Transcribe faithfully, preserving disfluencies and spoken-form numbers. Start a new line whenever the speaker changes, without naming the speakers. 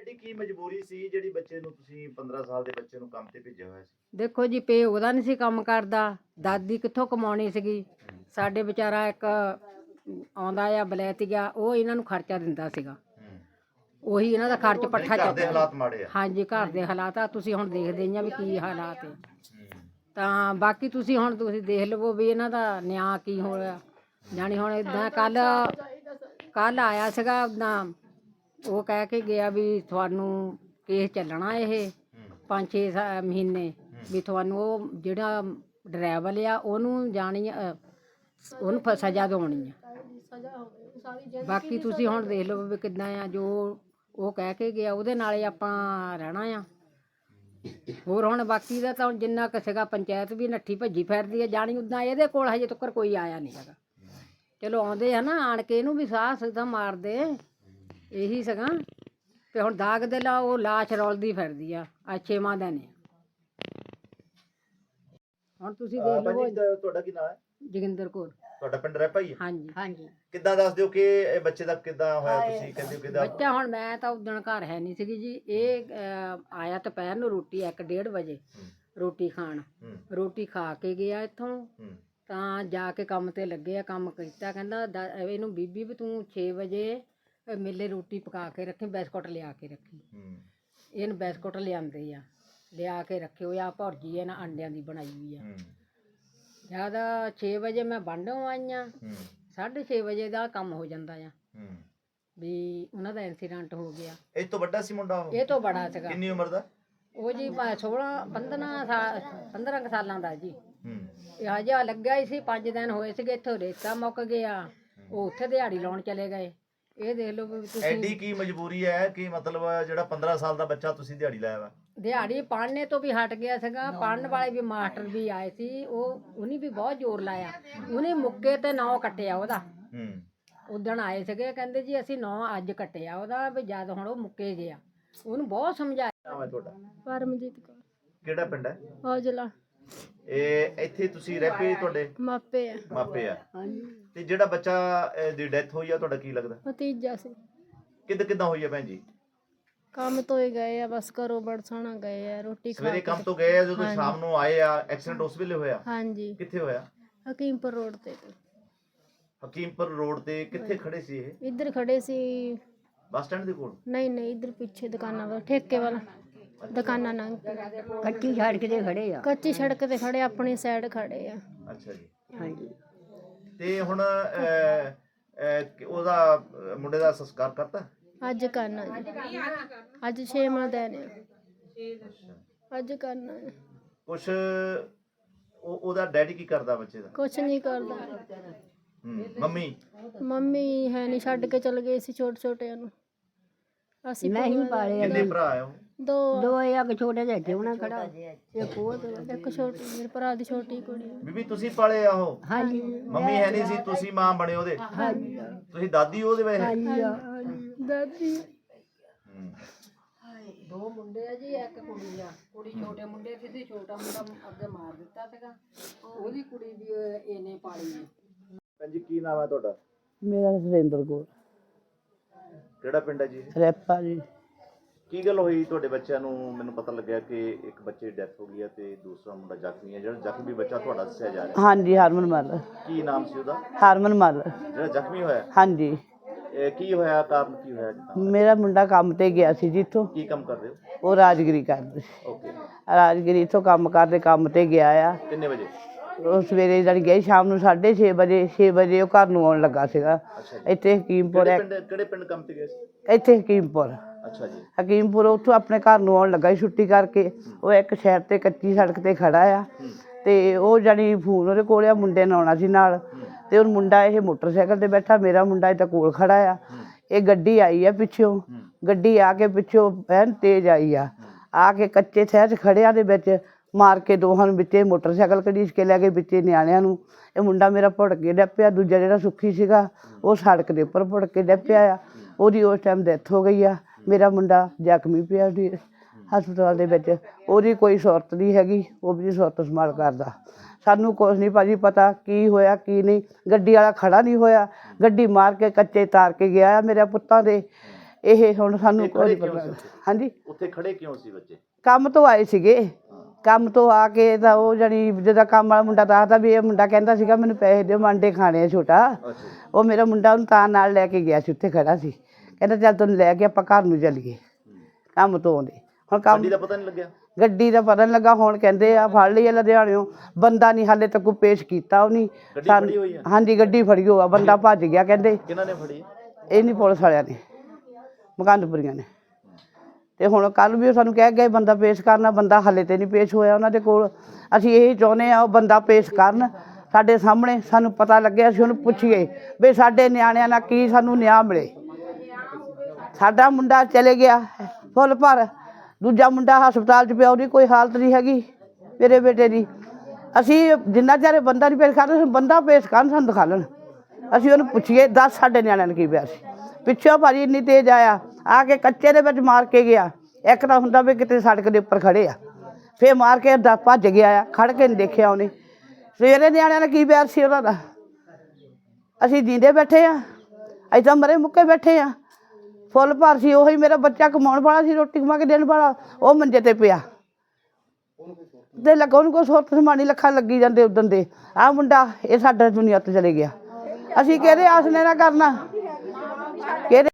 ਐਡੀ ਕੀ ਮਜਬੂਰੀ ਸੀ ਜਿਹੜੀ ਬੱਚੇ ਨੂੰ ਤੁਸੀਂ ਪੰਦਰਾਂ ਸਾਲ ਦੇ ਬੱਚੇ ਨੂੰ ਕੰਮ ਤੇ ਭੇਜਿਆ ਹੋਇਆ ਸੀ?
ਦੇਖੋ ਜੀ, ਪਿਓ ਉਹਦਾ ਨਹੀਂ ਸੀ ਕੰਮ ਕਰਦਾ, ਦਾਦੀ ਕਿੱਥੋਂ ਕਮਾਉਣੀ ਸੀਗੀ। ਸਾਡੇ ਵਿਚਾਰਾ ਇੱਕ ਆਉਂਦਾ ਆ ਬਲੈਤੀਆ, ਉਹ ਇਹਨਾਂ ਨੂੰ ਖਰਚਾ ਦਿੰਦਾ ਸੀਗਾ।
ਹੂੰ।
ਉਹੀ ਇਹਨਾਂ ਦਾ ਖਰਚ ਪੱਠਾ
ਘਰ ਦੇ
ਚੱਕਦਾ।
ਹਾਲਾਤ ਮਾੜੇ ਆ।
ਹਾਂਜੀ, ਘਰ ਦੇ ਹਾਲਾਤ ਆ, ਤੁਸੀਂ ਹੁਣ ਦੇਖਦੇ ਹੀ ਆ ਵੀ ਕੀ ਹਾਲਾਤ ਹੈ।
ਹੂੰ।
ਤਾਂ ਬਾਕੀ ਤੁਸੀਂ ਹੁਣ ਤੁਸੀਂ ਦੇਖ ਲਵੋ ਵੀ ਇਹਨਾਂ ਦਾ ਨਿਆਂ ਕੀ ਹੋਇਆ। ਜਾਣੀ ਹੁਣ ਇਦਾਂ ਕੱਲ ਕੱਲ ਆਇਆ ਸੀਗਾ ਉੱਦਾਂ, ਉਹ ਕਹਿ ਕੇ ਗਿਆ ਵੀ ਤੁਹਾਨੂੰ ਕੇਸ ਚੱਲਣਾ ਇਹ ਪੰਜ ਛੇ ਸਾ- ਮਹੀਨੇ ਵੀ ਤੁਹਾਨੂੰ ਉਹ ਜਿਹੜਾ ਡਰਾਈਵਰ ਆ ਉਹਨੂੰ ਜਾਣੀ ਅ, ਉਹਨੂੰ ਫ- ਸਜ਼ਾ ਦਿਵਾਉਣੀ ਆ। ਬਾਕੀ ਤੁਸੀਂ ਹੁਣ ਦੇਖ ਲਓ ਵੀ ਕਿੱਦਾਂ ਆ, ਜੋ ਉਹ ਕਹਿ ਕੇ ਗਿਆ ਉਹਦੇ ਨਾਲ ਹੀ ਆਪਾਂ ਰਹਿਣਾ ਆ। ਹੋਰ ਹੁਣ ਬਾਕੀ ਦਾ ਤਾਂ ਹੁਣ ਜਿੰਨਾ ਕੁ ਸੀਗਾ, ਪੰਚਾਇਤ ਵੀ ਨੱਠੀ ਭੱਜੀ ਫਿਰਦੀ ਹੈ ਜਾਣੀ ਉੱਦਾਂ, ਇਹਦੇ ਕੋਲ ਹਜੇ ਤੱਕ ਕੋਈ ਆਇਆ ਨਹੀਂ ਹੈਗਾ। ਚਲੋ ਆਉਂਦੇ ਆ ਨਾ, ਆਣ ਕੇ ਇਹਨੂੰ ਵੀ ਸਾਹ ਸਿੱਧਾ ਮਾਰਦੇ, ਇਹੀ ਸੀਗਾ। ਤੇ ਹੁਣ ਦਾਗ ਦੇ ਲਾ ਉਹ ਲਾਸ਼ ਰੋਲਦੀ ਫਿਰਦੀ ਆ, ਆ ਛੇਵਾਂ ਦਿਨ ਆ। ਹੁਣ ਤੁਸੀਂ ਦੇਖ ਲਓ।
ਭਾਜੀ ਤੁਹਾਡਾ ਕੀ ਨਾਮ ਹੈ?
ਜੋਗਿੰਦਰ ਕੌਰ।
ਤੁਹਾਡਾ ਪਿੰਡ ਰਹਿ ਭਾਈ?
ਹਾਂਜੀ ਹਾਂਜੀ।
ਕਿੱਦਾਂ ਦੱਸ ਦਿਓ ਕਿ ਇਹ ਬੱਚੇ ਦਾ ਕਿੱਦਾਂ ਹੋਇਆ, ਤੁਸੀਂ ਕਹਿੰਦੇ ਹੋ ਕਿੱਦਾਂ?
ਬੱਚਾ ਹੁਣ ਮੈਂ ਤਾਂ ਉਦਣ ਘਰ ਹੈ ਨਹੀਂ ਸੀਗੀ ਜੀ। ਇਹ ਅਹ, ਆਇਆ ਦੁਪਹਿਰ ਨੂੰ ਰੋਟੀ ਇੱਕ ਡੇਢ ਵਜੇ ਰੋਟੀ ਖਾਣ, ਰੋਟੀ ਖਾ ਕੇ ਗਿਆ ਇੱਥੋਂ, ਤਾਂ ਜਾ ਕੇ ਕੰਮ ਤੇ ਲੱਗੇ ਆ, ਕੰਮ ਕੀਤਾ। ਕਹਿੰਦਾ ਦ- ਇਹਨੂੰ ਬੀਬੀ ਵੀ ਤੂੰ ਛੇ ਵਜੇ ਮੇਲੇ ਰੋਟੀ ਪਕਾ ਕੇ ਰੱਖੀ, ਬਿਸਕੁਟ ਲਿਆ ਕੇ ਰੱਖੀ। ਇਹਨੂੰ ਬਿਸਕੁਟ ਲਿਆਂਦੇ ਆ, ਲਿਆ ਕੇ ਰੱਖਿਓ ਆ, ਭੁਰਜੀ ਇਹਨਾਂ ਅੰਡਿਆਂ ਦੀ ਬਣਾਈ ਹੋਈ ਆ। ਜ਼ਿਆਦਾ ਛੇ ਵਜੇ ਮੈਂ ਬਾਂਢੋਂ ਆਈ ਆ, ਸਾਢੇ ਛੇ ਵਜੇ ਦਾ ਕੰਮ ਹੋ ਜਾਂਦਾ ਆ ਵੀ ਉਹਨਾਂ ਦਾ ਐਕਸੀਡੈਂਟ ਹੋ ਗਿਆ।
ਇਹ ਤੋਂ ਵੱਡਾ ਸੀ ਮੁੰਡਾ ਉਹ?
ਇਹ ਤੋਂ ਬੜਾ ਸੀਗਾ।
ਕਿੰਨੀ ਉਮਰ ਦਾ?
ਉਹ ਜੀ ਸੋਲਾਂ ਪੰਦਰਾਂ ਸਾਲ ਪੰਦਰਾਂ ਕੁ ਸਾਲਾਂ ਦਾ ਜੀ। ਇਹ ਹਜੇ ਲੱਗਿਆ ਹੀ ਸੀ, ਪੰਜ ਦਿਨ ਹੋਏ ਸੀਗੇ, ਇੱਥੋਂ ਰੇਤਾ ਮੁੱਕ ਗਿਆ, ਉਹ ਉੱਥੇ ਦਿਹਾੜੀ ਲਾਉਣ ਚਲੇ ਗਏ। ਇਹ ਦੇਖ ਲਓ ਵੀ ਤੁਸੀਂ,
ਐਡੀ ਕੀ ਮਜਬੂਰੀ ਹੈ ਕਿ ਮਤਲਬ ਜਿਹੜਾ ਪੰਦਰਾਂ ਸਾਲ ਦਾ ਬੱਚਾ ਤੁਸੀਂ ਦਿਹਾੜੀ ਲਾਇਆ ਵਾ?
ਦਿਹਾੜੀ ਪੜ੍ਹਨੇ ਤੋਂ ਵੀ ਹਟ ਗਿਆ ਸੀਗਾ। ਪੜ੍ਹਨ ਵਾਲੇ ਵੀ ਮਾਸਟਰ ਵੀ ਆਏ ਸੀ, ਉਹ ਉਹਨੇ ਵੀ ਬਹੁਤ ਜ਼ੋਰ ਲਾਇਆ। ਉਹਨੇ ਮੁੱਕੇ ਤੇ ਨੌ ਕੱਟਿਆ ਉਹਦਾ। ਉਦਣ ਆਏ ਸੀਗੇ, ਕਹਿੰਦੇ ਜੀ ਅਸੀਂ ਨੌ ਅੱਜ ਕੱਟਿਆ ਉਹਦਾ, ਵੀ ਜਦ ਹੁਣ ਉਹ ਮੁੱਕੇ ਗਿਆ। ਉਹਨੂੰ ਬਹੁਤ ਸਮਝਾਇਆ।
ਨਾਮ ਹੈ ਤੁਹਾਡਾ?
ਪਰਮਜੀਤ ਕੌਰ।
ਕਿਹੜਾ ਪਿੰਡ ਹੈ?
ਔਜਲਾ।
ਇਹ ਇੱਥੇ ਤੁਸੀਂ ਰਹਿ ਪਏ, ਤੁਹਾਡੇ
ਮਾਪੇ ਆ।
ਮਾਪੇ ਆ? ਤੇ ਜਿਹੜਾ ਬੱਚਾ ਅਹ, ਦੀ ਡੈਥ ਹੋਈ ਆ, ਤੁਹਾਡਾ ਕੀ ਲੱਗਦਾ?
ਭਤੀਜਾ ਸੀ।
ਕਿੱਦਾਂ ਕਿੱਦਾਂ ਹੋਈ ਆ ਭੈਣ ਜੀ?
ਕੰਮ ਤੋਂ ਹੀ ਗਏ ਆ, ਬਸ ਘਰੋਂ ਬੜਸਾਣਾ ਗਏ ਆ, ਰੋਟੀ ਖਾ
ਸਵੇਰੇ
ਕੇ।
ਕੰਮ ਤੋਂ ਗਏ ਆ, ਜਦੋਂ ਸ਼ਾਮ ਨੂੰ ਆਏ ਆ, ਐਕਸੀਡੈਂਟ ਉਸ ਵੇਲੇ ਹੋਇਆ?
ਹਾਂਜੀ,
ਕਿੱਥੇ ਹੋਇਆ?
ਹਕੀਮਪੁਰ ਰੋਡ ਤੇ।
ਹਕੀਮਪੁਰ ਰੋਡ ਤੇ ਕਿੱਥੇ ਖੜੇ ਸੀ ਇਹ?
ਇੱਧਰ ਖੜੇ ਸੀ।
ਬੱਸ ਸਟੈਂਡ ਦੇ ਕੋਲ?
ਨਹੀਂ ਨਹੀਂ, ਇੱਧਰ ਪਿੱਛੇ ਦੁਕਾਨਾਂ ਵਾਲਾ, ਠੇਕੇ ਵਾਲਾ ਦੁਕਾਨਾਂ ਨੰਗ ਕੇ।
ਕੱਚੀ ਸੜਕ ਤੇ ਖੜੇ ਆ।
ਕੱਚੀ ਸੜਕ ਤੇ ਖੜੇ, ਆਪਣੀ ਸਾਈਡ ਖੜੇ ਆ।
ਅੱਛਾ ਜੀ।
ਹਾਂਜੀ।
ਤੇ ਹੁਣ ਅਹ, ਅਹ, ਉਹਦਾ ਅਹ, ਮੁੰਡੇ ਦਾ ਸੰਸਕਾਰ ਕਰਤਾ?
ਅੱਜ ਕਰਨਾ ਜੀ, ਅੱਜ ਛੇਵਾਂ ਦਿਨ ਆ, ਅੱਜ ਕਰਨਾ ਹੈ।
ਕੁਛ ਉਹ ਉਹਦਾ ਡੈਡੀ ਕੀ ਕਰਦਾ ਬੱਚੇ ਦਾ?
ਕੁਛ ਨਹੀਂ ਕਰਦਾ।
ਹੂੰ। ਮੰਮੀ?
ਮੰਮੀ ਹੈ ਨਹੀਂ, ਛੱਡ ਕੇ ਚਲ ਗਏ ਸੀ ਛੋਟੇ ਛੋਟਿਆਂ ਨੂੰ। ਅਸੀਂ
ਮੈਂ ਹੀ ਪਾਲੇ
ਕਿੰਨੇ ਭਰਾ ਆ ਉਹ?
ਦੋ
ਦੋ ਇੱਕ ਛੋਟੇ ਜਿਹੇ ਜਿਉਣਾ ਖੜਾ, ਇੱਕ ਉਹ ਤੇ
ਇੱਕ ਛੋਟੀ, ਮੇਰੇ ਭਰਾ ਦੀ ਛੋਟੀ ਕੁੜੀ।
ਬੀਬੀ ਤੁਸੀਂ ਪਾਲੇ ਆ ਉਹ?
ਹਾਂਜੀ
ਮੰਮੀ ਹੈ ਨਹੀਂ ਸੀ, ਤੁਸੀਂ ਮਾਂ ਬਣੇ ਉਹਦੇ?
ਹਾਂਜੀ
ਤੁਸੀਂ ਦਾਦੀ ਉਹਦੇ ਵੇ?
ਦਾਦੀ।
ਹੂੰ।
ਦੋ ਮੁੰਡੇ ਆ ਜੀ, ਇੱਕ ਕੁੜੀ ਆ। ਕੁੜੀ ਛੋਟੇ ਮੁੰਡੇ ਸੀ, ਛੋਟਾ ਮੁੰਡਾ ਅੱਗੇ ਮਾਰ ਦਿੱਤਾ ਸੀਗਾ, ਉਹਦੀ ਕੁੜੀ ਵੀ ਇਹਨੇ ਪਾਲੀ ਹੈ।
ਭੈਣ ਜੀ ਕੀ ਨਾਮ ਹੈ ਤੁਹਾਡਾ?
ਮੇਰਾ ਸੁਰਿੰਦਰ ਕੌਰ।
ਕਿਹੜਾ ਪਿੰਡ ਹੈ ਜੀ?
ਰੈਪਾ ਜੀ।
ਕੀ ਗੱਲ ਹੋਈ ਤੁਹਾਡੇ ਬੱਚਿਆਂ ਨੂੰ? ਮੈਨੂੰ ਪਤਾ ਲੱਗਿਆ ਕਿ ਇੱਕ ਬੱਚੇ ਦੀ ਡੈਥ ਹੋ ਗਈ ਹੈ ਤੇ ਦੂਸਰਾ ਮੁੰਡਾ ਜ਼ਖਮੀ ਹੈ। ਜਿਹੜਾ ਜ਼ਖਮੀ ਬੱਚਾ ਤੁਹਾਡਾ ਦੱਸਿਆ ਜਾ ਰਿਹਾ,
ਹਾਂਜੀ, ਹਰਮਨ ਮੱਲ।
ਕੀ ਨਾਮ ਸੀ ਉਹਦਾ?
ਹਰਮਨ ਮੱਲ।
ਜਿਹੜਾ ਜ਼ਖਮੀ ਹੋਇਆ?
ਹਾਂਜੀ।
ਇਹ ਕੀ ਹੋਇਆ, ਕਾਰਨ ਕੀ ਹੋਇਆ ਜਿੱਦਾਂ?
ਮੇਰਾ ਮੁੰਡਾ ਕੰਮ ਤੇ ਗਿਆ ਸੀ ਜਿੱਥੋਂ,
ਕੀ ਕੰਮ ਕਰਦੇ ਹੋ?
ਉਹ ਰਾਜਗਰੀ ਕਰਦੇ ਸੀ।
ਓਕੇ।
ਰਾਜਗਰੀ ਇੱਥੋਂ ਕੰਮ ਕਰਦੇ ਕੰਮ ਤੇ ਗਿਆ ਆ।
ਕਿੰਨੇ ਵਜੇ?
ਉਹ ਸਵੇਰੇ ਜਾਣੀ ਗਏ, ਸ਼ਾਮ ਨੂੰ ਸਾਢੇ ਛੇ ਵਜੇ ਛੇ ਵਜੇ ਉਹ ਘਰ ਨੂੰ ਆਉਣ ਲੱਗਾ ਸੀਗਾ।
ਅੱਛਾ ਜੀ।
ਇੱਥੇ ਹਕੀਮਪੁਰ
ਕਿਹੜੇ
ਹੈ,
ਪਿੰਡ ਕਿਹੜੇ ਪਿੰਡ ਕੰਮ ਤੇ ਗਏ ਸੀ?
ਇੱਥੇ ਹਕੀਮਪੁਰ।
ਅੱਛਾ ਜੀ।
ਹਕੀਮਪੁਰ ਉੱਥੋਂ ਆਪਣੇ ਘਰ ਨੂੰ ਆਉਣ ਲੱਗਾ ਸੀ ਛੁੱਟੀ ਕਰਕੇ। ਉਹ ਇੱਕ ਸ਼ਹਿਰ ਤੇ ਕੱਚੀ ਸੜਕ ਤੇ ਖੜਾ ਆ, ਤੇ ਉਹ ਜਾਣੀ ਫੋਨ ਉਹਦੇ ਕੋਲ ਆ, ਮੁੰਡੇ ਨੇ ਆਉਣਾ ਸੀ ਨਾਲ, ਤੇ ਉਹ ਮੁੰਡਾ ਇਹ ਮੋਟਰਸਾਈਕਲ ਤੇ ਬੈਠਾ, ਮੇਰਾ ਮੁੰਡਾ ਇੱਥੇ ਕੋਲ ਖੜਾ ਆ। ਇਹ ਗੱਡੀ ਆਈ ਆ ਪਿੱਛੋਂ, ਗੱਡੀ ਆ ਕੇ ਪਿੱਛੋਂ ਐਨ ਤੇਜ਼ ਆਈ ਆ, ਆ ਕੇ ਕੱਚੇ ਸ਼ਹਿਰ 'ਚ ਖੜਿਆਂ ਦੇ ਵਿੱਚ ਮਾਰ ਕੇ ਦੋਹਾਂ ਨੂੰ ਵਿੱਚੇ ਮੋਟਰਸਾਈਕਲ ਘੜੀਸ ਕੇ ਲੈ ਕੇ ਵਿੱਚੇ ਨਿਆਣਿਆਂ ਨੂੰ। ਇਹ ਮੁੰਡਾ ਮੇਰਾ ਭੁੜਕ ਕੇ ਡਿੱਗ ਪਿਆ, ਦੂਜਾ ਜਿਹੜਾ ਸੁੱਖੀ ਸੀਗਾ ਉਹ ਸੜਕ ਦੇ ਉੱਪਰ ਭੁੜਕ ਕੇ ਡਿੱਗ ਪਿਆ ਆ। ਉਹਦੀ ਉਸ ਟਾਈਮ ਡੈਥ ਹੋ ਗਈ ਆ। ਮੇਰਾ ਮੁੰਡਾ ਜ਼ਖਮੀ ਪਿਆ ਉਹਦੀ ਹਸਪਤਾਲ ਦੇ ਵਿੱਚ। ਉਹਦੀ ਕੋਈ ਸੁਰਤ ਨਹੀਂ ਹੈਗੀ, ਉਹ ਵੀ ਸੁਰਤ ਸੰਭਾਲ ਕਰਦਾ। ਸਾਨੂੰ ਕੁਛ ਨਹੀਂ ਭਾਜੀ ਪਤਾ ਕੀ ਹੋਇਆ ਕੀ ਨਹੀਂ। ਗੱਡੀ ਵਾਲਾ ਖੜਾ ਨਹੀਂ ਹੋਇਆ, ਗੱਡੀ ਮਾਰ ਕੇ ਕੱਚੇ ਤਾਰ ਕੇ ਗਿਆ ਆ ਮੇਰੇ ਪੁੱਤਾਂ ਦੇ। ਇਹ ਹੁਣ ਸਾਨੂੰ
ਤੇ
ਕੋਈ
ਖੜੇ
ਨਹੀਂ
ਕਿਉਂ
ਪਤਾ।
ਸੀ?
ਹਾਂਜੀ,
ਉੱਥੇ ਖੜੇ ਕਿਉਂ ਸੀ ਬੱਚੇ?
ਕੰਮ ਤੋਂ ਆਏ ਸੀਗੇ। ਕੰਮ ਤੋਂ ਆ ਕੇ ਤਾਂ ਉਹ ਜਾਣੀ ਜਿਹਦਾ ਕੰਮ ਵਾਲਾ ਮੁੰਡਾ ਦੱਸਦਾ ਵੀ ਇਹ ਮੁੰਡਾ ਕਹਿੰਦਾ ਸੀਗਾ ਮੈਨੂੰ ਪੈਸੇ ਦਿਓ, ਮੈਂ ਅੰਡੇ ਖਾਣੇ ਆ ਛੋਟਾ।
ਅੱਛਾ ਜੀ।
ਉਹ ਮੇਰਾ ਮੁੰਡਾ ਉਹਨੂੰ ਤਾਂ ਨਾਲ ਲੈ ਕੇ ਗਿਆ ਸੀ, ਉੱਥੇ ਖੜਾ ਸੀ, ਕਹਿੰਦਾ ਚੱਲ ਤੈਨੂੰ ਲੈ ਕੇ ਆਪਾਂ ਘਰ ਨੂੰ ਚੱਲੀਏ ਕੰਮ ਤੋਂ ਆਉਂਦੇ। ਹੁਣ ਕੰਮ
ਗੱਡੀ ਦਾ ਪਤਾ ਨਹੀਂ ਲੱਗਿਆ?
ਗੱਡੀ ਦਾ ਪਤਾ ਨਹੀਂ ਲੱਗਾ। ਹੁਣ ਕਹਿੰਦੇ ਆ ਫੜ ਲਈ ਆ ਲੁਧਿਆਣਿਓਂ, ਬੰਦਾ ਨਹੀਂ ਹਾਲੇ ਤੱਕ ਕੋਈ ਪੇਸ਼ ਕੀਤਾ ਉਹ ਨਹੀਂ।
ਗੱਡੀ ਫੜੀ ਹੋਈ ਆ?
ਹਾਂਜੀ, ਗੱਡੀ ਫੜੀ ਹੋਆ, ਬੰਦਾ ਭੱਜ ਗਿਆ ਕਹਿੰਦੇ।
ਕਿਹਨਾਂ ਨੇ ਫੜੀ?
ਇਹ ਨਹੀਂ ਪੁਲਿਸ ਵਾਲਿਆਂ ਨੇ, ਮਕੰਦਪੁਰੀਆਂ ਨੇ। ਤੇ ਹੁਣ ਕੱਲ ਵੀ ਉਹ ਸਾਨੂੰ ਕਹਿ ਗਏ ਬੰਦਾ ਪੇਸ਼ ਕਰਨਾ, ਬੰਦਾ ਹਾਲੇ ਤੇ ਨਹੀਂ ਪੇਸ਼ ਹੋਇਆ ਉਹਨਾਂ ਦੇ ਕੋਲ। ਅਸੀਂ ਇਹੀ ਚਾਹੁੰਦੇ ਆ ਉਹ ਬੰਦਾ ਪੇਸ਼ ਕਰਨ ਸਾਡੇ ਸਾਹਮਣੇ, ਸਾਨੂੰ ਪਤਾ ਲੱਗਿਆ, ਅਸੀਂ ਉਹਨੂੰ ਪੁੱਛੀਏ ਵੀ ਸਾਡੇ ਨਿਆਣਿਆਂ ਨਾਲ ਕੀ ਸਾਨੂੰ ਨਿਆਂ ਮਿਲੇ। ਸਾਡਾ ਮੁੰਡਾ ਚਲੇ ਗਿਆ ਫੁੱਲ ਭਰ, ਦੂਜਾ ਮੁੰਡਾ ਹਸਪਤਾਲ 'ਚ ਪਿਆ, ਉਹਦੀ ਕੋਈ ਹਾਲਤ ਨਹੀਂ ਹੈਗੀ ਮੇਰੇ ਬੇਟੇ ਦੀ। ਅਸੀਂ ਜਿੰਨਾ ਚਿਰ ਬੰਦਾ ਨਹੀਂ ਪੇਸ਼ ਕਰਦੇ, ਬੰਦਾ ਪੇਸ਼ ਕਰਨ, ਸਾਨੂੰ ਦਿਖਾ ਲੈਣ, ਅਸੀਂ ਉਹਨੂੰ ਪੁੱਛੀਏ ਦੱਸ ਸਾਡੇ ਨਿਆਣਿਆਂ ਨੂੰ ਕੀ ਪਿਆ ਸੀ। ਪਿੱਛੋਂ ਭਾਜੀ ਇੰਨੀ ਤੇਜ਼ ਆਇਆ, ਆ ਕੇ ਕੱਚੇ ਦੇ ਵਿੱਚ ਮਾਰ ਕੇ ਗਿਆ। ਇੱਕ ਤਾਂ ਹੁੰਦਾ ਵੀ ਕਿਤੇ ਸੜਕ ਦੇ ਉੱਪਰ ਖੜੇ ਆ, ਫਿਰ ਮਾਰ ਕੇ ਦਾ ਭੱਜ ਗਿਆ ਆ, ਖੜ ਕੇ ਨਹੀਂ ਦੇਖਿਆ ਉਹਨੇ। ਸਵੇਰੇ ਨਿਆਣਿਆਂ ਨੇ ਕੀ ਪਿਆਰ ਸੀ ਉਹਨਾਂ ਦਾ। ਅਸੀਂ ਜੀਂਦੇ ਬੈਠੇ ਆ, ਅਸੀਂ ਤਾਂ ਮਰੇ ਮੁੱਕੇ ਬੈਠੇ ਆ। ਫੁੱਲ ਭਰ ਸੀ, ਉਹੀ ਮੇਰਾ ਬੱਚਾ ਕਮਾਉਣ ਵਾਲਾ ਸੀ, ਰੋਟੀ ਕਮਾ ਕੇ ਦੇਣ ਵਾਲਾ, ਉਹ ਮੰਜੇ ਤੇ ਪਿਆ ਤੇ ਲੱਗਾ ਉਹਨੂੰ ਕੋਈ ਸੁਰਤ ਸਮਾਨੀ ਲੱਖਾਂ ਲੱਗੀ ਜਾਂਦੇ ਉਦੋਂ ਦੇ। ਆਹ ਮੁੰਡਾ ਇਹ ਸਾਡਾ ਦੁਨੀਆ ਤੋਂ ਚਲੇ ਗਿਆ। ਅਸੀਂ ਕਿਹਦੇ ਆਸਨੇ ਨਾ ਕਰਨਾ, ਕਿਹਦੇ